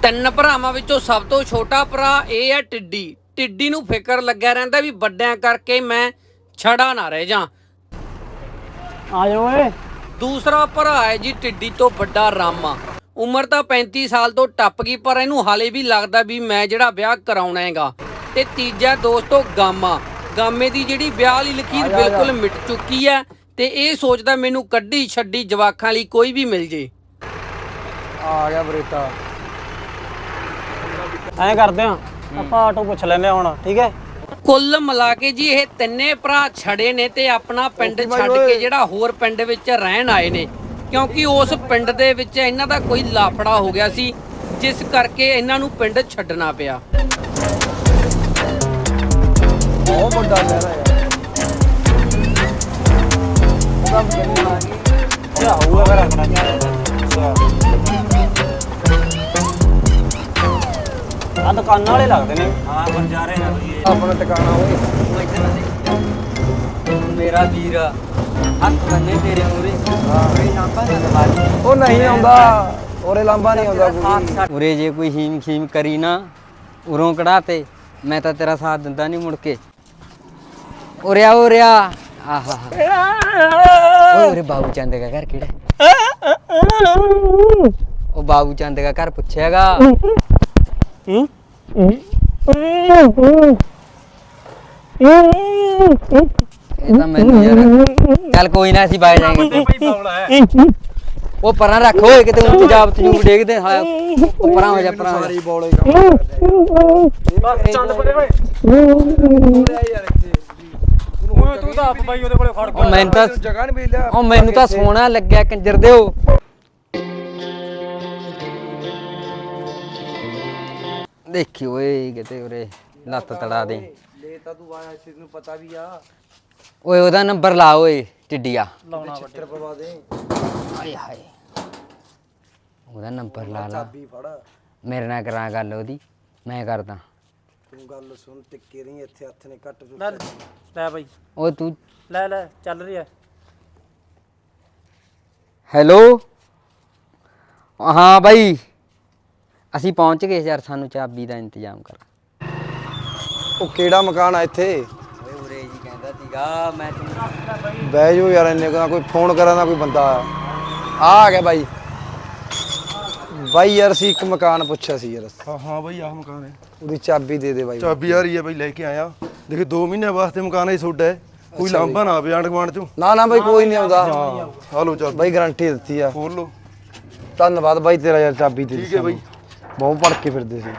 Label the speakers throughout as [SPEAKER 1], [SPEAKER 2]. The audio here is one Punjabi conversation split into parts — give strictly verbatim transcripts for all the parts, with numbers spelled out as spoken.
[SPEAKER 1] ਤਿੰਨ ਭਰਾਵਾਂ ਵਿੱਚੋਂ ਸਭ ਤੋਂ ਛੋਟਾ ਭਰਾ ਇਹ ਹੈ ਟਿੱਡੀ। ਟਿੱਡੀ ਨੂੰ ਫਿਕਰ ਲੱਗਿਆ ਰਹਿੰਦਾ ਵੀ ਵੱਡਿਆਂ ਕਰਕੇ ਮੈਂ ਛੜਾ ਨਾ ਰਹਿ ਜਾ।
[SPEAKER 2] ਆ ਜਾ ਓਏ।
[SPEAKER 1] ਦੂਸਰਾ ਭਰਾ ਹੈ ਜੀ ਟਿੱਡੀ ਤੋਂ ਵੱਡਾ ਰਾਮਾ। ਉਮਰ ਤਾਂ ਪੈਂਤੀ ਸਾਲ ਤੋਂ ਟੱਪ ਗਈ ਪਰ ਇਹਨੂੰ ਹਾਲੇ ਵੀ ਲੱਗਦਾ ਵੀ ਮੈਂ ਜਿਹੜਾ ਵਿਆਹ ਕਰਾਉਣਾ ਹੈਗਾ। ਤੇ ਤੀਜਾ ਦੋਸਤੋ ਗਾਮਾ। ਗਾਮੇ ਦੀ ਜਿਹੜੀ ਵਿਆਹ ਵਾਲੀ ਲਕੀਰ ਬਿਲਕੁਲ ਮਿਟ ਚੁੱਕੀ ਹੈ ਤੇ ਇਹ ਸੋਚਦਾ ਮੈਨੂੰ ਕੱਢੀ ਛੱਡੀ ਜਵਾਕਾਂ ਲਈ ਕੋਈ ਵੀ ਮਿਲ ਜੇ।
[SPEAKER 2] ਆ ਗਿਆ ਬਰੇਟਾ। ਐਂ ਕਰਦੇ ਆ ਆਪਾਂ ਆਟੋ ਪੁੱਛ ਲੈਨੇ ਹੁਣ, ਠੀਕ ਹੈ।
[SPEAKER 1] ਕੁੱਲ ਮਿਲਾ ਕੇ ਜੀ ਇਹ ਤਿੰਨੇ ਭਰਾ ਛੜੇ ਨੇ ਤੇ ਆਪਣਾ ਪਿੰਡ ਛੱਡ ਕੇ ਜਿਹੜਾ ਹੋਰ ਪਿੰਡ ਵਿੱਚ ਰਹਿਣ ਆਏ ਨੇ, ਕਿਉਂਕਿ ਉਸ ਪਿੰਡ ਦੇ ਵਿੱਚ ਇਹਨਾਂ ਦਾ ਕੋਈ ਲਾਫੜਾ ਹੋ ਗਿਆ ਸੀ ਜਿਸ ਕਰਕੇ ਇਹਨਾਂ ਨੂੰ ਪਿੰਡ ਛੱਡਣਾ ਪਿਆ।
[SPEAKER 2] ਬਹੁਤ ਵੱਡਾ ਲਹਿਰਾ ਯਾਰ। ਕੰਮ ਕਰਨੀ ਆ ਗਈ ਕੀ ਹੋਊਗਾ ਫਿਰ ਆਪਣਾ। ਆ ਦੁਕਾਨਾਂ ਵਾਲੇ ਲੱਗਦੇ ਨੇ। ਹਾਂ ਬੰਜਾਰੇ ਆ ਬਈ ਆਪਣਾ ਟਿਕਾਣਾ ਓਏ।
[SPEAKER 3] ਮੇਰਾ ਵੀਰ ਹੱਥ ਬੰਨੇ ਤੇਰੇ ਮੂਰੇ। ਹਾਂ ਕੋਈ ਲਾਂਬਾ ਨਾ ਦਵਾਈ।
[SPEAKER 2] ਉਹ ਨਹੀਂ ਆਉਂਦਾ ਉਰੇ ਲਾਂਬਾ ਨਹੀਂ ਆਉਂਦਾ ਕੋਈ।
[SPEAKER 3] ਉਰੇ ਜੇ ਕੋਈ ਹੀਮ ਖੀਮ ਕਰੀ ਨਾ ਉਰੋਂ ਕਢਾ ਤੇ ਮੈਂ ਤਾਂ ਤੇਰਾ ਸਾਥ ਦਿੰਦਾ ਨਹੀਂ ਮੁੜ ਕੇ। ਉਰੇ ਆ ਉਰੇ ਆ। ਆਹਾ ਓਏ ਉਰੇ ਬਾਬੂ ਚੰਦ ਦਾ ਘਰ ਕਿਹੜਾ? ਉਹ ਬਾਬੂ ਚੰਦ ਦਾ ਘਰ ਪੁੱਛਿਆਗਾ।
[SPEAKER 2] ਹੂੰ
[SPEAKER 3] ਇਹ ਤਾਂ ਮੈਨੂੰ ਯਾਰ ਚੱਲ ਕੋਈ ਨਾ ਅਸੀਂ ਬਾਹਰ ਜਾਏਂਗੇ। ਉਹ ਪਰਾਂ ਰੱਖ ਓਏ ਕਿਤੇ ਉੱਚ ਜਾਬ ਤਜੂਬ ਡੇਗਦੇ ਹਾਂ। ਉਹ ਪਰਾਂ ਹੋ ਜਾ ਪਰਾਂ
[SPEAKER 2] ਸਾਰੀ ਬੋਲੇ ਕੰਮ ਬਸ ਚੰਦ ਪਰੇ ਓਏ। ਯਾਰ ਇੱਥੇ ਓਏ ਤੂੰ ਤਾਂ ਆਪ ਬਾਈ ਉਹਦੇ ਕੋਲੇ ਖੜ
[SPEAKER 3] ਉਹ ਮੈਨੂੰ ਤਾਂ
[SPEAKER 2] ਜਗ੍ਹਾ ਨਹੀਂ ਮਿਲ ਲਿਆ।
[SPEAKER 3] ਉਹ ਮੈਨੂੰ ਤਾਂ ਸੋਹਣਾ ਲੱਗਿਆ ਕੰਜਰ ਦਿਓ। ਦੇਖੀ ਓਏ ਕਿਤੇ ਉਰੇ ਲੱਤ ਤੜਾ ਦੇ।
[SPEAKER 2] ਲੈ ਤਾਂ ਤੂੰ ਆਇਆ ਇਸ ਨੂੰ ਪਤਾ ਵੀ ਆ।
[SPEAKER 3] ਓਏ ਉਹਦਾ ਨੰਬਰ ਲਾ ਓਏ ਟਿੱਡੀਆ।
[SPEAKER 2] ਲਾਉਣਾ ਛਿੱਤਰ ਪਵਾ ਦੇ।
[SPEAKER 3] ਹਾਏ ਹਾਏ ਉਹਦਾ ਨੰਬਰ ਲਾ ਲਾ।
[SPEAKER 2] ਚਾਬੀ ਫੜ।
[SPEAKER 3] ਮੇਰੇ ਨਾਲ ਕਰਾਂ ਗੱਲ ਉਹਦੀ, ਮੈਂ ਕਰਦਾ।
[SPEAKER 2] ਤੂੰ ਗੱਲ ਸੁਣ ਟਿੱਕੇ ਰਹੀ ਇੱਥੇ ਹੱਥ ਨੇ ਕੱਟ ਲੈ ਲੈ ਬਾਈ।
[SPEAKER 3] ਓਏ ਤੂੰ
[SPEAKER 2] ਲੈ ਲੈ ਚੱਲ ਰਹੀ ਹੈ।
[SPEAKER 3] ਹੈਲੋ ਹਾਂ ਬਾਈ ਅਸੀਂ ਪਹੁੰਚ ਗਏ ਯਾਰ, ਸਾਨੂੰ ਚਾਬੀ ਦਾ ਇੰਤਜ਼ਾਮ ਕਰ।
[SPEAKER 2] ਉਹ ਕਿਹੜਾ ਮਕਾਨ ਆ ਇੱਥੇ?
[SPEAKER 3] ਓਏ ਉਰੇ ਜੀ ਕਹਿੰਦਾ ਸੀਗਾ ਮੈਂ ਤੈਨੂੰ।
[SPEAKER 2] ਬਹਿ ਜਾਓ ਯਾਰ, ਇੰਨੇ ਕੋਈ ਫੋਨ ਕਰਾਂ ਨਾ ਕੋਈ ਬੰਦਾ ਆ ਆ ਗਿਆ ਬਾਈ। ਬਾਈ ਯਾਰ ਅਸੀਂ ਇੱਕ ਮਕਾਨ ਪੁੱਛਿਆ ਸੀ ਯਾਰ।
[SPEAKER 4] ਹਾਂ ਹਾਂ ਬਾਈ ਆਹ ਮਕਾਨ ਹੈ।
[SPEAKER 2] ਉਹਦੀ ਚਾਬੀ ਦੇ ਦੇ ਬਾਈ।
[SPEAKER 4] ਚਾਬੀ ਆ ਰਹੀ ਹੈ ਬਾਈ, ਲੈ ਕੇ ਆਇਆ। ਦੇਖੀ ਦੋ ਮਹੀਨੇ ਵਾਸਤੇ ਮਕਾਨ ਹੈ ਤੁਹਾਡਾ ਹੈ। ਕੋਈ ਲਾਂਭਾ ਨਾ ਆਵੇ ਆਂਢ ਗੁਆਂਢ ਚੋਂ।
[SPEAKER 2] ਨਾ ਨਾ ਬਾਈ ਕੋਈ ਨਹੀਂ ਆਉਂਦਾ।
[SPEAKER 4] ਹਾਂ ਲਓ ਚਾਬੀ
[SPEAKER 2] ਬਾਈ ਗਾਰੰਟੀ ਦਿੱਤੀ ਆ।
[SPEAKER 4] ਖੋਲ ਲਓ।
[SPEAKER 2] ਧੰਨਵਾਦ ਬਾਈ ਤੇਰਾ ਯਾਰ, ਚਾਬੀ ਦੇ
[SPEAKER 4] ਠੀਕ ਹੈ ਬਾਈ।
[SPEAKER 2] ਬਹੁਤ ਭੜ ਕੇ ਫਿਰਦੇ ਸੀ।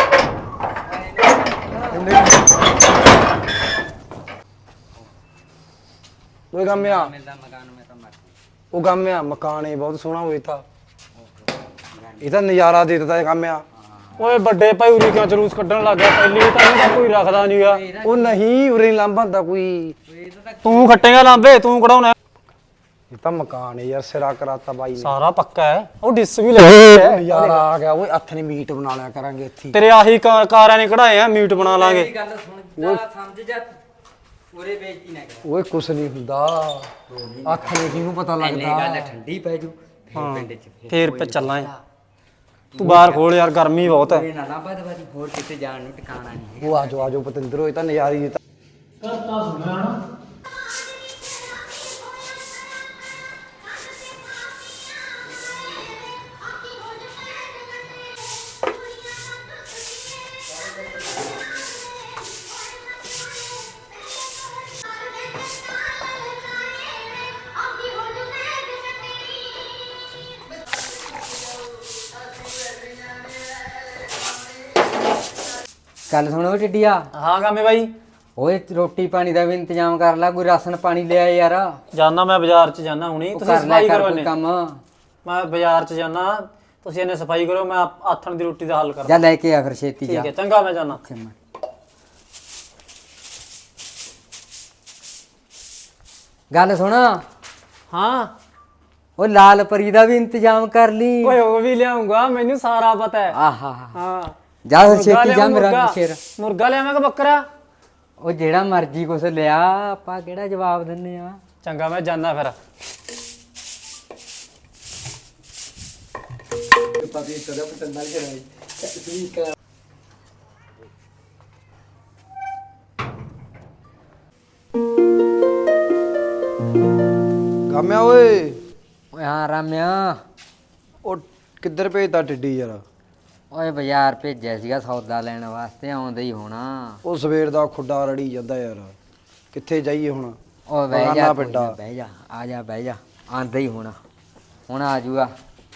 [SPEAKER 2] ਉਹ ਗਾਮਿਆ ਉਹ ਗਾਮਿਆ ਮਕਾਨ ਇਹ ਬਹੁਤ ਸੋਹਣਾ ਹੋਇਆ ਤਾਂ ਇਹ ਤਾਂ ਨਜ਼ਾਰਾ ਦੇ ਦਿੱਤਾ ਗਾਮਿਆ। ਓਏ ਵੱਡੇ ਭਾਈ ਉਰੀ ਕਿਉਂ ਜਲੂਸ ਕੱਢਣ ਲੱਗ ਗਿਆ? ਪਹਿਲੀ ਤਾਂ ਇਹਦਾ ਕੋਈ ਰੱਖਦਾ ਨਹੀਂ ਆ। ਉਹ ਨਹੀਂ ਉਰੇ ਲਾਂਭਾ ਹੁੰਦਾ ਕੋਈ। ਤੂੰ ਖੱਟੇਗਾ ਲਾਂਬੇ, ਤੂੰ ਕਢਾਉਣਾ। ਇਹ ਤਾਂ ਮਕਾਨ ਹੈ ਯਾਰ, ਸਿਰਾ ਕਰਾਤਾ ਬਾਈ ਨੇ। ਸਾਰਾ ਪੱਕਾ ਹੈ। ਉਹ ਡਿਸ ਵੀ ਲੱਗੀ ਹੈ। ਨਜ਼ਾਰਾ ਆ ਗਿਆ ਓਏ। ਹੱਥ ਨੇ ਮੀਟ ਬਣਾ ਲਿਆ ਕਰਾਂਗੇ ਇੱਥੇ। ਤੇਰੇ ਆਹੀ ਕਾਰਾਂ ਨੇ ਕਢਾਏ ਆ, ਮੀਟ ਬਣਾ ਲਾਂਗੇ।
[SPEAKER 3] ਗੱਲ ਸੁਣ ਜਾ ਸਮਝ ਜਾ ਉਰੇ ਬੇਇੱਜ਼ਤੀ ਨਾ ਕਰ।
[SPEAKER 2] ਓਏ ਕੁਛ ਨਹੀਂ ਹੁੰਦਾ। ਅੱਖ ਨੇ ਕਿਹਨੂੰ ਪਤਾ
[SPEAKER 3] ਇੰਨੇ
[SPEAKER 2] ਲੱਗਦਾ।
[SPEAKER 3] ਗੱਲ ਠੰਡੀ ਪੈ ਜੂ ਫੇਰ ਪਿੰਡ ਚ
[SPEAKER 2] ਫੇਰ ਪੇ ਚੱਲਾਂ। ਤੂੰ ਬਾਹਰ ਖੋਲ ਯਾਰ, ਗਰਮੀ ਬਹੁਤ ਹੈ।
[SPEAKER 3] ਇਹ ਨਾ ਲਾਂਭਾ ਦਵਾਜੀ ਹੋਰ ਕਿਤੇ ਜਾਣ ਨੂੰ ਟਿਕਾਣਾ ਨਹੀਂ।
[SPEAKER 2] ਉਹ ਆਜੋ ਆਜੋ ਪਤੰਦਰ ਹੋਏ ਤਾਂ ਨਜ਼ਾਰੀ ਦਿੱਤਾ।
[SPEAKER 3] ਗੱਲ ਸੁਣੋ ਟਿੱਡੀਆ।
[SPEAKER 2] ਹਾਂ ਗਾਮੇ ਬਾਈ।
[SPEAKER 3] ਓਏ ਰੋਟੀ ਪਾਣੀ ਦਾ ਵੀ ਇੰਤਜ਼ਾਮ ਕਰ ਲੈ, ਕੋਈ ਰਾਸ਼ਨ ਪਾਣੀ ਲਿਆ ਯਾਰ।
[SPEAKER 2] ਜਾਨਾ ਮੈਂ ਬਾਜ਼ਾਰ ਚ ਜਾਨਾ ਹੁਣੀ।
[SPEAKER 3] ਉਹ
[SPEAKER 2] ਤੁਸੀਂ
[SPEAKER 3] ਕਰ ਲੈ
[SPEAKER 2] ਸਫਾਈ
[SPEAKER 3] ਕਰ
[SPEAKER 2] ਕਰੋ
[SPEAKER 3] ਕੋਈ
[SPEAKER 2] ਇਹਨੇ।
[SPEAKER 3] ਕੰਮ।
[SPEAKER 2] ਮੈਂ ਬਾਜ਼ਾਰ ਚ ਜਾਨਾ, ਤੁਸੀਂ ਇਹਨੇ ਸਫਾਈ ਕਰੋ, ਮੈਂ ਆਪ- ਆਥਣ ਦੀ ਰੋਟੀ ਦਾ ਹੱਲ
[SPEAKER 3] ਜਾ
[SPEAKER 2] ਕਰਦਾ।
[SPEAKER 3] ਲੈ ਕੇ ਆ ਫਿਰ ਛੇਤੀ ਜਾ।
[SPEAKER 2] ਠੀਕ ਹੈ ਚੰਗਾ, ਮੈਂ ਜਾਨਾ।
[SPEAKER 3] ਗੱਲ ਸੁਣ
[SPEAKER 2] ਹਾਂ
[SPEAKER 3] ਉਹ ਲਾਲ ਪਰੀ ਦਾ ਵੀ ਇੰਤਜ਼ਾਮ ਕਰ ਲਈ।
[SPEAKER 2] ਓਏ ਉਹ ਵੀ ਲਿਆਉਂਗਾ, ਮੈਨੂੰ ਸਾਰਾ ਪਤਾ ਹੈ।
[SPEAKER 3] ਆਹਾ
[SPEAKER 2] ਹਾਂ
[SPEAKER 3] ਜਾ ਫਿਰ
[SPEAKER 2] ਮੁਰਗਾ
[SPEAKER 3] ਛੇਤੀ ਜਾ
[SPEAKER 2] ਲਿਆਵਾਂ,
[SPEAKER 3] ਮੇਰਾ
[SPEAKER 2] ਮੁਰਗਾ।
[SPEAKER 3] ਸ਼ੇਰ।
[SPEAKER 2] ਮੁਰਗਾ ਲਿਆਵਾਂ ਕਿ ਬੱਕਰਾ?
[SPEAKER 3] ਉਹ ਜਿਹੜਾ ਮਰਜੀ ਕੁਛ ਲਿਆ, ਆਪਾਂ ਕਿਹੜਾ ਜਵਾਬ ਦਿੰਨੇ ਆ।
[SPEAKER 2] ਚੰਗਾ ਮੈਂ ਜਾਨਾ ਫਿਰ।
[SPEAKER 3] ਪਤੀ ਤੇਰਾ ਪਸੰਦ ਨਾਲ ਕਰਾਈ।
[SPEAKER 2] ਗਾਮਿਆ ਓਏ
[SPEAKER 3] ਓਏ ਹਾਂ ਰਾਮਿਆ।
[SPEAKER 2] ਉਹ ਕਿੱਧਰ ਭੇਜਤਾ ਟਿੱਡੀ ਯਾਰ?
[SPEAKER 3] ਓਏ ਬਾਜ਼ਾਰ ਭੇਜਿਆ ਸੀਗਾ ਸੌਦਾ ਲੈਣ ਵਾਸਤੇ, ਆਉਂਦਾ ਹੀ ਹੋਣਾ।
[SPEAKER 2] ਉਹ ਸਵੇਰ ਦਾ ਖੁੱਡਾ ਰੜੀ ਜਾਂਦਾ ਯਾਰ, ਕਿੱਥੇ ਜਾਈਏ ਹੁਣ?
[SPEAKER 3] ਓ ਬਹਿ ਜਾ
[SPEAKER 2] ਬਗਾਨਾ
[SPEAKER 3] ਕੋਈ
[SPEAKER 2] ਪਿੰਡਾ।
[SPEAKER 3] ਨਾ, ਬਹਿ ਜਾ, ਆ ਜਾ ਬਹਿ ਜਾ, ਆਂਦਾ ਹੀ ਹੋਣਾ, ਹੁਣ ਆ ਜੂਗਾ।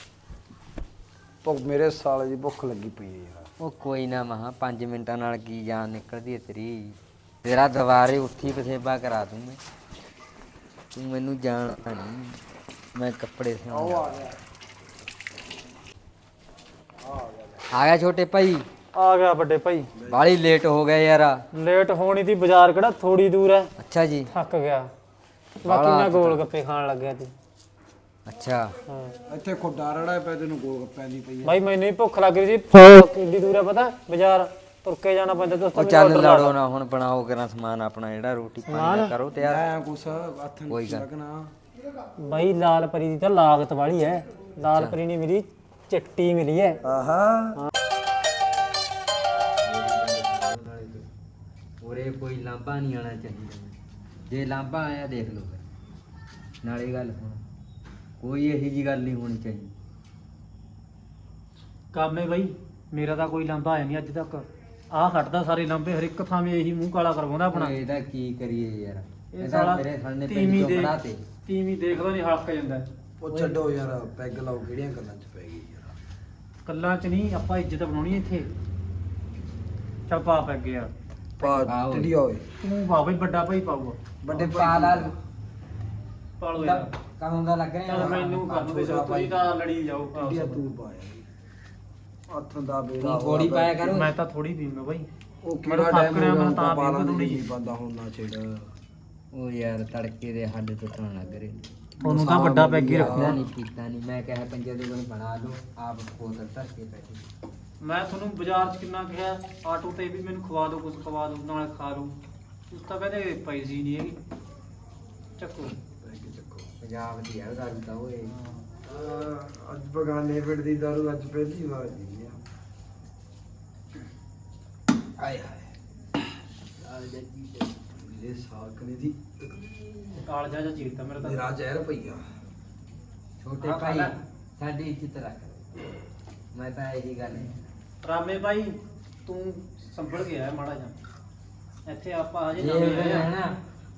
[SPEAKER 2] ਭੁੱਖ ਮੇਰੇ ਸਾਲੇ ਦੀ ਭੁੱਖ ਲੱਗੀ ਪਈ ਹੈ ਯਾਰ।
[SPEAKER 3] ਉਹ ਕੋਈ ਨਾ ਮਹਾ ਪੰਜ ਮਿੰਟਾਂ ਨਾਲ ਕੀ ਜਾਨ ਨਿਕਲਦੀ ਹੈ ਤੇਰੀ। ਤੇਰਾ ਦੁਬਾਰੇ ਉੱਠੀ ਪਸੇਬਾ ਕਰਾ ਦੂੰ ਮੈਂ, ਤੂੰ ਮੈਨੂੰ ਜਾਣਦਾ ਨਹੀਂ। ਮੈਂ ਕੱਪੜੇ ਸਿਉਂ ਆ ਗਿਆ ਛੋਟੇ ਭਾਈ।
[SPEAKER 5] ਆ ਗਿਆ ਵੱਡੇ ਭਾਈ।
[SPEAKER 3] ਬਾਲੀ ਲੇਟ ਹੋ ਗਿਆ ਯਾਰ।
[SPEAKER 5] ਲੇਟ ਹੋਣੀ ਤੀ, ਬਾਜ਼ਾਰ ਕਿਹੜਾ ਥੋੜੀ ਦੂਰ ਹੈ।
[SPEAKER 3] ਅੱਛਾ ਜੀ।
[SPEAKER 5] ਥੱਕ ਗਿਆ, ਬਾਕੀ ਮੈਂ ਗੋਲ ਗੱਪੇ ਖਾਣ ਲੱਗਿਆ ਤੀ।
[SPEAKER 3] ਅੱਛਾ
[SPEAKER 5] ਹਾਂ
[SPEAKER 2] ਇੱਥੇ ਖੁੱਡਾ ਰੜਾ ਪਿਆ, ਤੈਨੂੰ ਗੋਲ ਗੱਪਿਆਂ ਦੀ ਪਈ ਹੈ।
[SPEAKER 5] ਭਾਈ ਮੈਨੂੰ ਵੀ ਭੁੱਖ ਲੱਗ ਰਹੀ ਸੀ। ਕਿੰਨੀ ਦੂਰ ਹੈ ਪਤਾ? ਬਾਜ਼ਾਰ ਤੁਰ ਕੇ ਜਾਣਾ ਪੈਂਦਾ ਦੋਸਤੋ।
[SPEAKER 3] ਉਹ ਚੱਲ ਲੜੋ ਨਾ ਹੁਣ, ਬਣਾਓ ਕਰਾਂ ਸਮਾਨ ਆਪਣਾ, ਜਿਹੜਾ ਰੋਟੀ ਪਾਣੀ ਦਾ ਕਰੋ ਤਿਆਰ।
[SPEAKER 2] ਐ ਕੁਛ ਹੱਥ
[SPEAKER 3] ਕੋਈ
[SPEAKER 2] ਨਹੀਂ
[SPEAKER 3] ਗੱਲ।
[SPEAKER 2] ਲੱਗਣਾ।
[SPEAKER 5] ਭਾਈ ਲਾਲ ਪਰੀ ਦੀ ਤਾਂ ਲਾਗਤ ਵਾਲੀ ਹੈ। ਲਾਲ ਪਰੀ ਨਹੀਂ ਮਿਲੀ, ਚਿੱਟੀ ਮਿਲੀ ਹੈ।
[SPEAKER 2] ਆਹਾ
[SPEAKER 3] ਉਰੇ ਕੋਈ ਲਾਂਭਾ ਨਹੀਂ ਆਣਾ ਚਾਹੀਦਾ। ਜੇ ਲਾਂਭਾ ਆਇਆ ਦੇਖ ਲਓ ਫਿਰ। ਨਾਲੇ ਗੱਲ ਸੁਣ, ਕੋਈ ਇਹੀ ਜੀ ਗੱਲ ਨਹੀਂ ਹੋਣੀ ਚਾਹੀਦੀ।
[SPEAKER 5] ਕਾਮੇ ਭਾਈ ਮੇਰਾ ਤਾਂ ਕੋਈ ਲਾਂਭਾ ਆਇਆ ਨਹੀਂ ਅੱਜ ਤੱਕ। ਆਹ ਖੜਦਾ ਸਾਰੇ ਲਾਂਭੇ, ਹਰ ਇੱਕ ਥਾਂ 'ਤੇ ਇਹੀ ਮੂੰਹ ਕਾਲਾ ਕਰਵਾਉਂਦਾ ਆਪਣਾ।
[SPEAKER 3] ਓਏ ਇਹਦਾ ਕੀ ਕਰੀਏ ਯਾਰ,
[SPEAKER 5] ਇਹ
[SPEAKER 3] ਇਹਦਾ
[SPEAKER 5] ਸਾਲਾ
[SPEAKER 3] ਮੇਰੇ ਸਾਹਮਣੇ ਪਿੰਡ
[SPEAKER 5] ਤੀਵੀਂ
[SPEAKER 3] ਚੋਂ
[SPEAKER 5] ਦੇ
[SPEAKER 3] ਖੜਾ ਤੇ।
[SPEAKER 5] ਤੀਵੀਂ ਦੇਖਦਾ ਨਹੀਂ, ਹਲਕ ਜਾਂਦਾ।
[SPEAKER 2] ਉਹ ਛੱਡੋ ਯਾਰ, ਪੈਗ ਲਾਓ, ਕਿਹੜੀਆਂ ਗੱਲਾਂ 'ਚ ਪੈ ਗਈ ਯਾਰ।
[SPEAKER 5] ਕੱਲਾਂ 'ਚ ਨਹੀਂ, ਆਪਾਂ ਇੱਜ਼ਤ ਬਣਾਉਣੀ ਇੱਥੇ। ਚੱਲ ਪਾ ਪੈ ਗਿਆ
[SPEAKER 2] ਪਾ
[SPEAKER 3] ਆਓ।
[SPEAKER 2] ਟਿੱਡੀ ਓਏ,
[SPEAKER 5] ਤੂੰ ਪਾ ਬਈ, ਵੱਡਾ ਭਾਈ ਪਾਊਗਾ।
[SPEAKER 2] ਵੱਡੇ
[SPEAKER 3] ਪਾ ਲਾ
[SPEAKER 5] ਪਾ ਲਓ ਯਾਰ।
[SPEAKER 3] ਕਦੋਂ ਦਾ ਲੱਗ ਰਿਹਾ
[SPEAKER 5] ਚੱਲ ਮੈਨੂੰ ਕਰ ਦੋ, ਤੁਸੀਂ ਤਾਂ ਲੜੀ ਜਾਓ।
[SPEAKER 2] ਟਿੱਡੀਆ ਤੂੰ ਪਾਇਆ ਹੱਥ ਦਾ ਬੇੜਾ
[SPEAKER 3] ਤੂੰ ਥੋੜੀ ਪਾਇਆ ਕਰ।
[SPEAKER 5] ਮੈਂ ਤਾਂ ਥੋੜੀ ਪੀਂਗਾ ਬਾਈ।
[SPEAKER 2] ਉਹ
[SPEAKER 5] ਮੈਨੂੰ
[SPEAKER 2] ਕਿਹੜਾ
[SPEAKER 5] ਥੱਕ
[SPEAKER 2] ਟਾਈਮ
[SPEAKER 5] ਰਿਹਾ,
[SPEAKER 2] ਹੋ
[SPEAKER 5] ਮੈਂ
[SPEAKER 2] ਗਿਆ
[SPEAKER 5] ਤਾਂ
[SPEAKER 2] ਪਾਲਾਂ
[SPEAKER 5] ਪੀਂਦਾ
[SPEAKER 2] ਦੀ
[SPEAKER 5] ਥੋੜੀ।
[SPEAKER 2] ਨਹੀਂ ਬੰਦਾ ਹੁਣ ਨਾ ਛੇੜ।
[SPEAKER 3] ਉਹ ਯਾਰ ਤੜਕੇ ਦੇ ਹੱਡ ਟੁੱਟਣ ਲੱਗ ਰਹੇ।
[SPEAKER 5] ਤੁਹਾਨੂੰ ਤਾਂ ਵੱਡਾ ਪੈਗ ਹੀ
[SPEAKER 3] ਪੀਤਾ
[SPEAKER 5] ਰੱਖਿਆ।
[SPEAKER 3] ਨਹੀਂ ਪੀਤਾ ਨਹੀਂ, ਮੈਂ ਕਿਹਾ ਪੰਜੇ ਦੇ ਕੋਲ ਬਣਾ ਲਓ, ਆਪ ਬੋਤਲ ਧਰ ਕੇ ਬੈਠੇ।
[SPEAKER 5] ਮੈਂ ਤੁਹਾਨੂੰ ਬਾਜ਼ਾਰ 'ਚ ਕਿੰਨਾ ਕਿਹਾ, ਆਟੋ ਤੇ ਵੀ ਮੈਨੂੰ ਖਵਾ ਦਿਓ, ਕੁਝ ਖਵਾ ਦਿਓ, ਨਾਲ ਖਾ ਲਓ। ਤੁਸੀਂ ਤਾਂ ਕਹਿੰਦੇ ਪੈਸੇ ਨਹੀਂ ਹੈਗੇ। ਚੱਕੋ
[SPEAKER 3] ਪੰਜਾਬ ਦੀ ਹੈ ਗੱਲ ਤਾਂ ਓਏ।
[SPEAKER 2] ਅੱਜ ਬਗਾਨੇ ਪਿੰਡ ਦੀ ਦਾਰੂ ਅੱਜ ਪਹਿਲੀ ਵਾਰ ਪੀ ਆ। ਆਏ ਹਾਏ ਆ ਜੱਜੀ ਮੇਰੇ ਸਾਕਨੇ ਦੀ
[SPEAKER 5] ਕਾਲਜਾ ਜਾਂ ਚੀਰਤਾ ਮੇਰਾ ਤਾਂ।
[SPEAKER 2] ਮੇਰਾ ਜ਼ਹਿਰ ਪਈਆ।
[SPEAKER 3] ਛੋਟੇ
[SPEAKER 5] ਹਾਂ,
[SPEAKER 3] ਭਾਈ
[SPEAKER 5] ਖਾ ਲੈ।
[SPEAKER 3] ਸਾਡੀ ਇੱਜ਼ਤ ਰੱਖ। ਮੈਂ ਤਾਂ ਇਹੀ ਗੱਲ ਹੈ।
[SPEAKER 5] ਰਾਮੇ ਭਾਈ ਤੂੰ ਸੰਭਲ ਗਿਆ ਹੈ ਮਾੜਾ ਜਿਹਾ। ਇੱਥੇ ਆਪਾਂ ਹਜੇ
[SPEAKER 3] ਜੇ
[SPEAKER 5] ਨਵੇਂ ਆਏ
[SPEAKER 3] ਹੈ
[SPEAKER 5] ਆ।
[SPEAKER 3] ਨਾ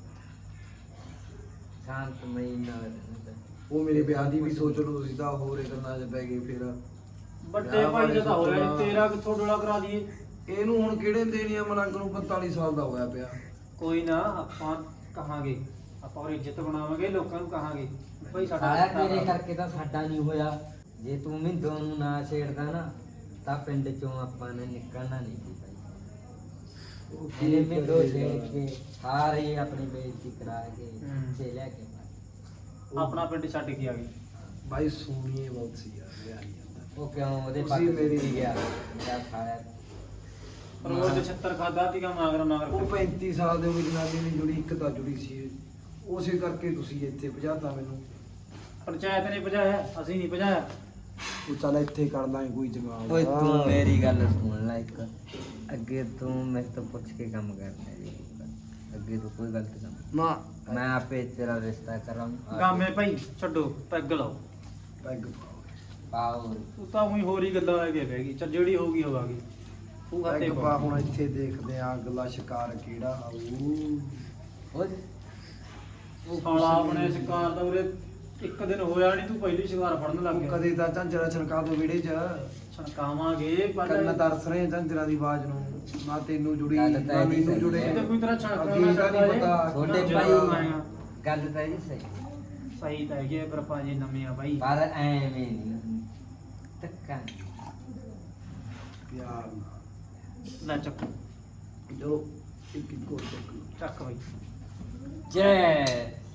[SPEAKER 3] ਸ਼ਾਂਤਮਈ ਨਾਲ
[SPEAKER 2] ਉਹ ਮੇਰੇ ਵਿਆਹ ਦੀ ਵੀ ਸੋਚ ਲਓ ਤੁਸੀਂ, ਤਾਂ ਹੋਰ ਇਹ ਗੱਲਾਂ 'ਚ ਪੈ ਗਏ ਫਿਰ।
[SPEAKER 5] ਵੱਡੇ ਭਾਈ ਜਦਾ ਹੋਇਆ ਨੀ, ਤੇਰਾ ਕਿੱਥੋਂ ਡੋਲਾ ਕਰਾ ਦਈਏ।
[SPEAKER 2] ਇਹਨੂੰ ਹੁਣ ਕਿਹੜੇ ਦੇਣੀ ਆ? ਮਲੰਗ ਨੂੰ ਪੰਤਾਲੀ ਸਾਲ ਦਾ ਹੋਇਆ ਪਿਆ।
[SPEAKER 5] ਕੋਈ ਨਾ, ਆਪਾਂ ਕਹਾਂਗੇ, ਆਪਾਂ ਉਹ ਇੱਜ਼ਤ ਬਣਾਵਾਂਗੇ, ਲੋਕਾਂ ਨੂੰ ਕਹਾਂਗੇ ਭਾਈ ਸਾਡਾ
[SPEAKER 3] ਸਾਰਾ
[SPEAKER 5] ਰਿਸ਼ਤਾ
[SPEAKER 3] ਤੇਰੇ
[SPEAKER 5] ਕਰਾ।
[SPEAKER 3] ਕਰਕੇ ਤਾਂ ਸਾਡਾ ਨਹੀਂ ਹੋਇਆ। ਜੇ ਤੂੰ ਮਿੰਦੋ ਨੂੰ ਨਾ ਛੇੜਦਾ ਨਾ ਤਾਂ ਪਿੰਡ ਚੋਂ ਆਪਾਂ ਨੇ ਨਿਕਲਣਾ ਨਹੀਂ ਸੀ ਭਾਈ। ਇਹਨੇ ਮਿੰਦੋ ਛੇੜ ਕੇ ਸਾਰੇ ਆਪਣੀ ਬੇਇੱਜ਼ਤੀ ਕਰਾ ਕੇ
[SPEAKER 5] ਹੂੰ।
[SPEAKER 3] ਤੇ ਲੈ ਕੇ
[SPEAKER 5] ਆਪਣਾ ਪਿੰਡ ਛੱਡ ਕੇ ਆ ਗਈ।
[SPEAKER 2] ਬਾਈ ਸੋਹਣੀ ਬਹੁਤ ਸੀ ਯਾਰ, ਵਿਆਹ ਨਹੀਂ ਜਾਂਦਾ।
[SPEAKER 3] ਉਹ ਕਿਉਂ ਉਹਦੇ
[SPEAKER 2] ਤੁਸੀਂ
[SPEAKER 3] ਪੱਕ
[SPEAKER 2] ਮੇਰੀ-
[SPEAKER 3] ਮੇਰੀ ਗਿਆ ਮੇਰਾ ਸਾਇਆ।
[SPEAKER 5] ਰੋਜ਼ ਛੱਤਰ ਖਾਦਾ ਸੀਗਾ ਮਾਗਰ ਮਾਗਰ।
[SPEAKER 2] ਉਹ ਪੈਂਤੀ ਸਾਲ ਦੇ ਉਹ ਜਨਾਨੀ ਨਹੀਂ ਜੁੜੀ, ਇੱਕ ਤਾਂ ਜੁੜੀ ਸੀ। ਉਸੇ ਕਰਕੇ ਤੁਸੀਂ ਇੱਥੇ ਭਜਾਤਾ ਮੈਨੂੰ।
[SPEAKER 5] ਪੰਚਾਇਤ ਨੇ ਭਜਾਇਆ, ਅਸੀਂ ਨਹੀਂ ਭਜਾਇਆ।
[SPEAKER 2] ਤੂੰ ਚੱਲ ਇੱਥੇ ਕਰ ਲਾਂ ਕੋਈ ਜਗਾੜ।
[SPEAKER 3] ਓਏ ਤੂੰ ਮੇਰੀ ਗੱਲ ਸੁਣ ਲੈ ਇੱਕ। ਅੱਗੇ ਤੂੰ ਮੇਰੇ ਤੋਂ ਪੁੱਛ ਕੇ ਕੰਮ ਕਰਨਾ ਜੀ। ਅੱਗੇ ਤੋਂ ਕੋਈ ਗਲਤ ਕੰਮ
[SPEAKER 2] ਨਾ
[SPEAKER 3] ਮੈਂ ਆਪੇ ਤੇਰਾ ਰਿਸ਼ਤਾ ਕਰਾਂ।
[SPEAKER 5] ਗਾਮੇ ਭਾਈ ਛੱਡੋ, ਪੈਗ ਲਾਓ।
[SPEAKER 2] ਪੈਗ
[SPEAKER 3] ਪਾਓ
[SPEAKER 5] ਤੂੰ ਤਾਂ ਉਹੀ ਹੋਰ ਹੀ ਗੱਲਾਂ ਲੈ ਕੇ ਬਹਿ ਗਈ। ਚੱਲ ਜਿਹੜੀ ਹੋਊਗੀ ਹੋਵਾਗੀ। ਤੂੰ ਖਾਤੇ
[SPEAKER 2] ਪੈਗ ਪਾ। ਹੁਣ ਇੱਥੇ ਦੇਖਦੇ ਆ ਅਗਲਾ ਸ਼ਿਕਾਰ ਕਿਹੜਾ ਆਊ।
[SPEAKER 3] ਓਏ
[SPEAKER 5] ਸਾਲਾ ਆਪਣੇ ਸ਼ਿਕਾਰ ਦਾ ਉਰੇ ਇੱਕ ਦਿਨ ਹੋਇਆ ਨਹੀਂ, ਤੂੰ ਪਹਿਲੀ ਸ਼ਿਕਾਰ ਫੜਨ ਲੱਗ
[SPEAKER 2] ਤੂੰ
[SPEAKER 5] ਗਿਆ।
[SPEAKER 2] ਕਦੇ ਤਾਂ ਝਾਂਜਰਾ ਛਣਕਾ ਦੋ ਵਿੜੇ 'ਚ।
[SPEAKER 5] ਛਣਕਾਵਾਂਗੇ ਪਰ
[SPEAKER 2] ਕੰਨ ਤਰਸ ਰਹੇ ਝਾਂਜਰਾ ਦੀ ਆਵਾਜ਼ ਨੂੰ। ਨਾ ਤੈਨੂੰ ਜੁੜੀ
[SPEAKER 3] ਗੱਲ
[SPEAKER 2] ਨਾ
[SPEAKER 3] ਤਾਂ ਇਹਦੀ
[SPEAKER 2] ਮੈਨੂੰ
[SPEAKER 3] ਸਹੀ
[SPEAKER 2] ਜੁੜੇ।
[SPEAKER 3] ਹੈ।
[SPEAKER 5] ਇਹ ਤਾਂ ਕੋਈ ਤਰ੍ਹਾਂ
[SPEAKER 2] ਅੱਗੇ
[SPEAKER 5] ਛਣਕਾਉਣਾ
[SPEAKER 2] ਦਾ ਨਹੀਂ ਪਤਾ।
[SPEAKER 3] ਛੋਟੇ
[SPEAKER 5] ਜਿਹੜਾ
[SPEAKER 3] ਭਾਈ
[SPEAKER 5] ਆਏਗਾ।
[SPEAKER 3] ਗੱਲ ਤਾਂ ਇਹ ਸਹੀ
[SPEAKER 5] ਸਹੀ ਤਾਂ ਹੈਗੀ ਹੈ, ਪਰ ਆਪਾਂ ਜੇ ਨਵੇਂ ਆ ਬਾਈ।
[SPEAKER 3] ਪਰ ਐਵੇਂ ਨਹੀਂ ਧੱਕਾ ਨਹੀਂ।
[SPEAKER 2] ਪਿਆਰ ਨਾਲ
[SPEAKER 5] ਲੈ ਚੱਕ
[SPEAKER 2] ਜੋ ਇੱਕ ਇੱਕ ਹੋਰ ਚੱਕ ਲਓ।
[SPEAKER 5] ਚੱਕ ਬਾਈ।
[SPEAKER 3] ਜੈ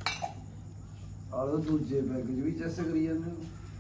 [SPEAKER 2] ਆਲੋ ਦੂਜੇ ਪੈਗ 'ਚ ਵੀ ਚੈਸ ਕਰੀ ਜਾਂਦੇ ਹੋ।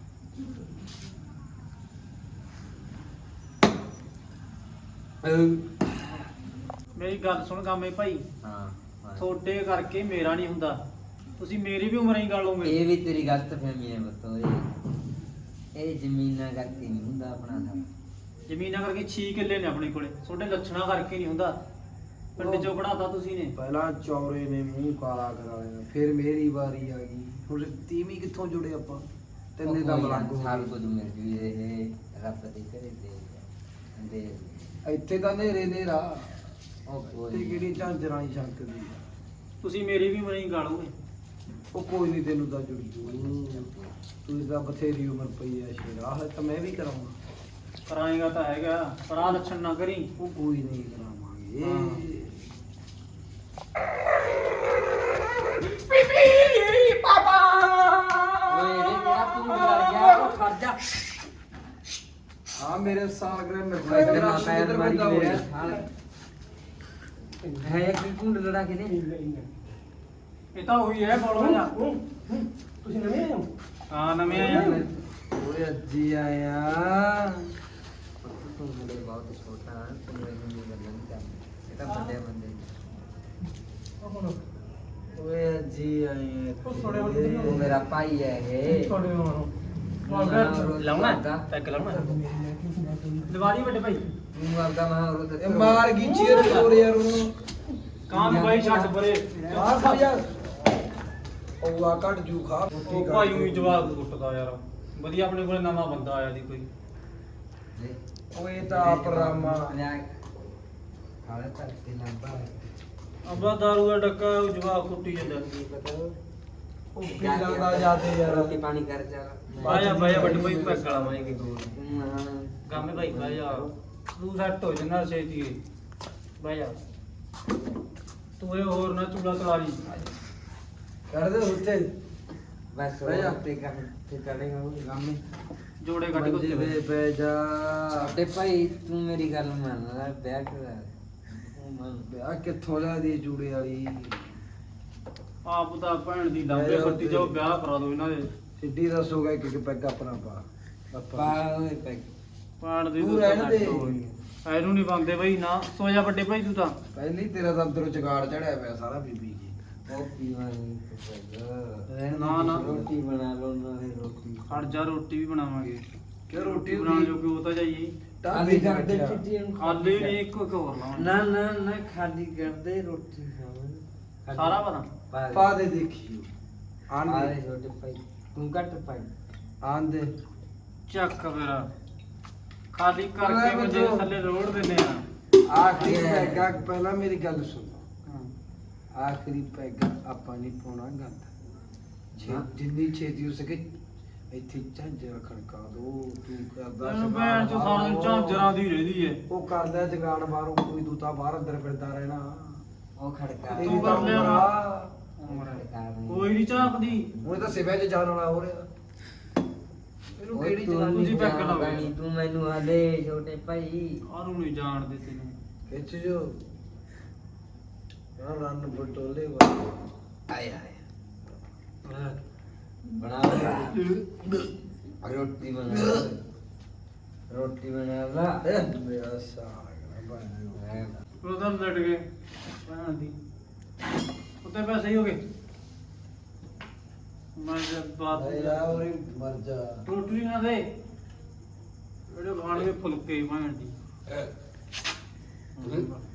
[SPEAKER 5] ਮੇਰੀ ਗੱਲ ਸੁਣ ਗਾਮੇ ਭਾਈ,
[SPEAKER 3] ਹਾਂ
[SPEAKER 5] ਤੁਹਾਡੇ ਕਰਕੇ ਮੇਰਾ ਨਹੀਂ ਹੁੰਦਾ। ਤੁਸੀਂ ਮੇਰੀ ਵੀ ਉਮਰ ਹੀ ਗਾਲੋਗੇ।
[SPEAKER 3] ਇਹ ਵੀ ਤੇਰੀ ਗਲਤ ਫਹਿਮੀ ਹੈ ਬਤੋ। ਇਹ ਇਹ ਜ਼ਮੀਨਾਂ ਕਰਕੇ ਨਹੀਂ ਹੁੰਦਾ ਆਪਣਾ ਦਾ।
[SPEAKER 5] ਜ਼ਮੀਨਾਂ ਕਰਕੇ ਛੇ ਕਿੱਲੇ ਨੇ ਆਪਣੇ ਕੋਲੇ ਤੁਹਾਡੇ ਲੱਛਣਾ ਕਰਕੇ ਨਹੀਂ ਹੁੰਦਾ ਪਿੰਡ ਚੋਂ ਕਢਾਤਾ ਤੁਸੀਂ ਨੇ
[SPEAKER 2] ਪਹਿਲਾਂ ਚੌਰੇ ਨੇ ਮੂੰਹ ਕਾਲਾ ਕਰਾ ਲਿਆ ਫਿਰ ਮੇਰੀ ਵਾਰੀ ਆ ਗਈ ਹੁਣ ਤੀਵੀਂ ਕਿੱਥੋਂ ਜੁੜੇ ਆਪਾਂ ਤਿੰਨੇ ਦਾ ਮਲੰਗ ਹੋ
[SPEAKER 3] ਸਭ
[SPEAKER 2] ਗਏ।
[SPEAKER 3] ਕੁਝ ਮਿਲ ਜੂ ਇਹ ਰੱਬ ਦੇ ਘਰੇ ਦੇ ਦੇ
[SPEAKER 2] ਇੱਥੇ ਤਾਂ ਨੇਰੇ ਨੇਰਾ
[SPEAKER 3] ਉਹ
[SPEAKER 2] ਤੇ
[SPEAKER 3] ਕੋਈ
[SPEAKER 2] ਕਿਹੜੀ ਝਾਂਜਰਾਂ ਹੀ ਛੰਕਦੀ ਆ।
[SPEAKER 5] ਤੁਸੀਂ ਮੇਰੀ ਵੀ ਮਣੀ ਗਾਲੋਗੇ
[SPEAKER 2] ਉਹ ਕੋਈ ਨਹੀਂ ਤੈਨੂੰ ਤਾਂ ਜੁੜੀ ਜੂ ਤੂੰ ਤਾਂ ਬਥੇਰੀ ਉਮਰ ਪਈ ਐ ਸ਼ੇਰਾ ਹੈ ਤਾਂ ਮੈਂ ਵੀ ਕਰਾਉਂਗਾ
[SPEAKER 5] ਕਰਾਏਗਾ ਤਾਂ ਹੈਗਾ ਪਰ ਆਹ ਲੱਛਣ ਨਾ ਕਰੀ
[SPEAKER 2] ਉਹ ਕੋਈ ਨਹੀਂ ਕਰਾਵਾਂਗੇ
[SPEAKER 5] ਹਾਂ।
[SPEAKER 3] ਓਏ ਰੇ ਤੇਰਾ ਤੂੰ ਲੜ ਗਿਆ ਉਹ ਖੜ ਜਾ
[SPEAKER 2] ਹਾਂ ਮੇਰੇ ਸਾਲਗ੍ਰਹਿ ਮਿਲ
[SPEAKER 3] ਇੱਧਰ ਨਾ ਪੈਰ ਮਾਰੀ ਮੇਰੇ ਹਾਲ ਹੈ ਕੀ ਕੁੰਡ ਲੜਾ ਕੇ ਨੇ
[SPEAKER 5] ਇਹ ਤਾਂ ਉਹੀ ਹੈ ਬੋਲੋ ਜਾ
[SPEAKER 2] ਤੁਸੀਂ ਨਵੇਂ ਆਏ ਹੋ
[SPEAKER 5] ਹਾਂ ਨਵੇਂ ਆਏ ਆ
[SPEAKER 2] ਓਏ ਅੱਜੀ ਆਇਆ
[SPEAKER 3] ਤੂੰ ਮੇਰੇ ਬਹੁਤ ਛੋਟਾ ਤੂੰ ਮੈਨੂੰ ਨਹੀਂ ਗੱਲਾਂ ਨਹੀਂ ਕਰਨੀ ਇਹ ਤਾਂ ਵੱਡੇ ਬੰਦੇ ਨੇ।
[SPEAKER 2] ਓਏ ਅੱਜੀ ਆਇਆ
[SPEAKER 3] ਤੂੰ ਮੇਰਾ ਭਾਈ ਹੈ ਇਹ
[SPEAKER 5] ਲਾਉਣਾ ਪੈਕ ਲਾਉਣਾ ਦੀਵਾਰੀ ਵੱਡੇ ਭਾਈ
[SPEAKER 3] ਤੂੰ ਆਪਦਾ ਮਹਾ ਉਹ
[SPEAKER 2] ਇਹ ਮਾਰ ਗਈ ਚੀਰ ਤੋਰ ਯਾਰ ਉਹਨੂੰ
[SPEAKER 5] ਕਾਂ ਵੀ ਬਾਈ ਛੱਡ ਪਰੇ
[SPEAKER 2] ਆ ਖਾ ਯਾਰ ਉਹ ਆ ਕੱਟ ਜੂ ਖਾ
[SPEAKER 5] ਉਹ ਭਾਈ ਉਹੀ ਜਵਾਬ ਕੁੱਟਦਾ ਯਾਰ ਵਧੀਆ ਆਪਣੇ ਕੋਲੇ ਨਵਾਂ ਬੰਦਾ ਆਇਆ ਦੀ ਕੋਈ
[SPEAKER 2] ਓਏ ਤਾਂ ਆਪ ਰਾਮਾ
[SPEAKER 3] ਖਾਲੇ ਤੱਕ ਤੇ ਲੰਬਾ
[SPEAKER 5] ਅਬਾ ਦਾਰੂ ਦਾ ਡੱਕਾ ਉਹ ਜਵਾਬ ਕੁੱਟੀ ਜਾਂਦਾ
[SPEAKER 2] ਉਹ ਪੀਲਾ ਦਾ ਜਾਦੇ ਯਾਰ
[SPEAKER 3] ਰੋਟੀ ਪਾਣੀ ਕਰ ਜਾ
[SPEAKER 5] ਬਾਇਆ ਬਾਇਆ ਵੱਡੇ ਭਾਈ ਪੈਕ ਲਾਵਾਂਗੇ ਕਿ ਦੋ
[SPEAKER 3] ਤੂੰ ਹਾਂ
[SPEAKER 5] ਗਾਮੇ ਭਾਈ ਬਾਇਆ ਤੂੰ ਸੈੱਟ ਹੋ ਜਨਾ ਛੇਤੀ ਬਾਇਆ ਤੂੰ ਇਹ ਹੋਰ ਨਾ ਚੂੜਾ ਕਰਾ ਲਈ
[SPEAKER 2] ਕਰ ਦੇ ਉੱਤੇ
[SPEAKER 3] ਬਸ
[SPEAKER 2] ਬਹਿ ਜਾ।
[SPEAKER 3] ਉਹ ਤੇ ਕਰ ਤੇ ਕਰੇਗਾ ਉਹ
[SPEAKER 2] ਗਾਮੇ
[SPEAKER 5] ਜੋੜੇ ਕੱਢ ਕੇ
[SPEAKER 2] ਮੰਜੇ
[SPEAKER 5] ਉੱਤੇ
[SPEAKER 2] ਤੇ ਪੈ ਜਾ
[SPEAKER 3] ਤੇ ਭਾਈ ਤੂੰ ਮੇਰੀ ਗੱਲ ਮੰਨ ਲੈ ਵਿਆਹ ਕਰਾ ਤੂੰ ਮੰਨ
[SPEAKER 2] ਵਿਆਹ ਕਿੱਥੋਂ ਲਿਆ ਦੀ ਜੂੜੇ ਵਾਲੀ
[SPEAKER 5] ਆਪ ਤਾਂ ਭੈਣ ਦੀ ਲਾਂਬੇ ਫੱਟੀ ਜਾਓ ਵਿਆਹ ਕਰਾ ਦੋ ਇਹਨਾਂ ਦੇ
[SPEAKER 2] ਸਿੱਧੀ ਦੱਸੋਗਾ ਇੱਕ ਇੱਕ ਪੈਗ ਆਪਣਾ ਪਾ
[SPEAKER 3] ਪਾ
[SPEAKER 2] ਆਪਾਂ
[SPEAKER 3] ਓਏ ਪੈਕ
[SPEAKER 5] ਪਾਣ ਦੀ
[SPEAKER 2] ਤੂੰ ਰਹਿਣ ਦੇ।
[SPEAKER 5] ਐਨੂੰ ਨਹੀਂ ਬੰਦੇ ਬਈ ਨਾ ਸੋ ਜਾ ਵੱਡੇ ਭਾਈ ਤੂੰ ਤਾਂ
[SPEAKER 2] ਪਹਿਲੀ ਤੇਰਾ ਤਾਂ ਅੰਦਰੋਂ ਚਗਾੜ ਚੜਿਆ ਪਿਆ ਸਾਰਾ ਬੀਬੀ ਜੀ
[SPEAKER 3] ਉਹ ਪੀਵਾਂਗੇ ਤੇ ਪੈਗ
[SPEAKER 2] ਰਹਿਣ
[SPEAKER 5] ਨਾ, ਨਾ।
[SPEAKER 3] ਰੋਟੀ ਬਣਾ ਲਓ ਨਾਲੇ ਰੋਟੀ
[SPEAKER 5] ਖੜ ਜਾ ਰੋਟੀ ਵੀ ਬਣਾਵਾਂਗੇ
[SPEAKER 2] ਕਿ ਰੋਟੀ
[SPEAKER 5] ਬਣਾ ਜੋ ਕਿ ਉਹ ਤਾਂ ਜਾਈਏ
[SPEAKER 3] ਖਾਲੀ
[SPEAKER 2] ਢਾਬੇ
[SPEAKER 3] ਕਰਦੇ
[SPEAKER 2] ਤੇ
[SPEAKER 3] ਚਿੱਟੀ ਨੂੰ
[SPEAKER 5] ਖਾਲੀ ਨਹੀਂ ਇੱਕ ਇੱਕ ਹੋਰ ਲਾਵਾਂਗੇ
[SPEAKER 3] ਨਾ ਨਾ ਨਾ ਖਾਲੀ ਕਰਦੇ ਰੋਟੀ ਖਾਵਾਂਗੇ
[SPEAKER 5] ਸਾਰਾ ਪਤਾ
[SPEAKER 3] ਪਾ
[SPEAKER 2] ਪਾ ਦੇ ਦੇਖੀ ਆਂਦੇ
[SPEAKER 3] ਆਲੇ ਛੋਟੇ ਭਾਈ ਤੂੰ ਘੱਟ ਪਾਈ
[SPEAKER 2] ਆਂਦੇ
[SPEAKER 5] ਚੱਕ ਫਿਰ ਖਾਲੀ ਕਰਕੇ
[SPEAKER 2] ਮੈਂ
[SPEAKER 5] ਮੁਝੇ
[SPEAKER 2] ਤਾਂ-
[SPEAKER 5] ਥੱਲੇ ਰੋੜ ਦਿੰਨੇ ਆ
[SPEAKER 2] ਆਖਰੀ ਪੈਗਾ ਪਹਿਲਾਂ ਮੇਰੀ ਗੱਲ ਸੁਣ ਆਖਰੀ ਪੈਗਾ ਆਪਾਂ ਨਹੀਂ ਪਾਉਣਾ ਗੰਦ ਛੇ-
[SPEAKER 3] ਹਾਂ।
[SPEAKER 2] ਜਿੰਨੀ ਛੇਤੀ ਹੋ ਸਕੇ ਇੱਥੇ ਝਾਂਜਰ ਖੜਕਾ ਦੋ ਤੂੰ ਕਰਦਾ
[SPEAKER 5] ਤੈਨੂੰ
[SPEAKER 2] ਸ਼ਿਕਾਰ
[SPEAKER 5] ਭੈਣ ਚ ਸਾਰਾ ਦਿਨ
[SPEAKER 2] ਬਾਹਰੋਂ।
[SPEAKER 5] ਝਾਂਜਰਾਂ ਦੀ ਰਹਿੰਦੀ ਏ
[SPEAKER 2] ਉਹ ਕਰਦਾ ਜਗਾੜ ਬਾਹਰੋਂ ਕੋਈ ਦੂਤਾ ਬਾਹਰ ਅੰਦਰ ਫਿਰਦਾ ਰਹਿਣਾ
[SPEAKER 3] ਉਹ ਖੜਕਾ
[SPEAKER 2] ਤੇਰੀ
[SPEAKER 5] ਤੂੰ
[SPEAKER 2] ਤਾਂ
[SPEAKER 5] ਕਰ ਲਿਆ
[SPEAKER 2] ਉਮਰ
[SPEAKER 5] ਨਾ।
[SPEAKER 2] ਆ।
[SPEAKER 5] ਕੋਈ ਨਹੀਂ ਝਾਕਦੀ
[SPEAKER 2] ਹੁਣ ਤਾਂ ਸਿਵਿਆਂ 'ਚ ਜਾਣ ਵਾਲਾ ਹੋ ਰਿਹਾ ਇਹਨੂੰ ਕਿਹੜੀ ਜਨਾਨੀ
[SPEAKER 5] ਤੁਸੀਂ ਪੈਕ ਲਾਓ।
[SPEAKER 3] ਲਾਉਣੀ ਤੂੰ ਮੈਨੂੰ ਹਲੇ ਛੋਟੇ ਭਾਈ
[SPEAKER 5] ਆਨੂੰ ਨਹੀਂ ਜਾਣਦੇ ਤੈਨੂੰ
[SPEAKER 2] ਖਿੱਚ ਜੋ ਰਾਂ ਰਨ ਬਟੋਲੇ ਵਾ ਆਏ ਆਏ
[SPEAKER 3] ਬਣਾ ਰੋਟੀ ਬਣਾ ਰੋਟੀ ਬਣਾ ਲਾ
[SPEAKER 2] ਇਹ ਮੇਰਾ ਸਾਗ ਨਾ
[SPEAKER 5] ਉਧਰ ਲੜ ਗਏ ਭੈਣ ਦੀ ਉੱਤੇ ਪੈਸੇ ਹੀ ਹੋ ਗਏ ਮੈਂ ਜਦ ਬਾਤ
[SPEAKER 2] ਭਾਈ ਆ ਉਰੇ ਮਰ ਜਾ
[SPEAKER 5] ਰੋਟੀ ਨਾ ਦੇ ਜਿਹੜੇ ਖਾਣਗੇ ਫੁਲਕੇ ਭੈਣ ਦੀ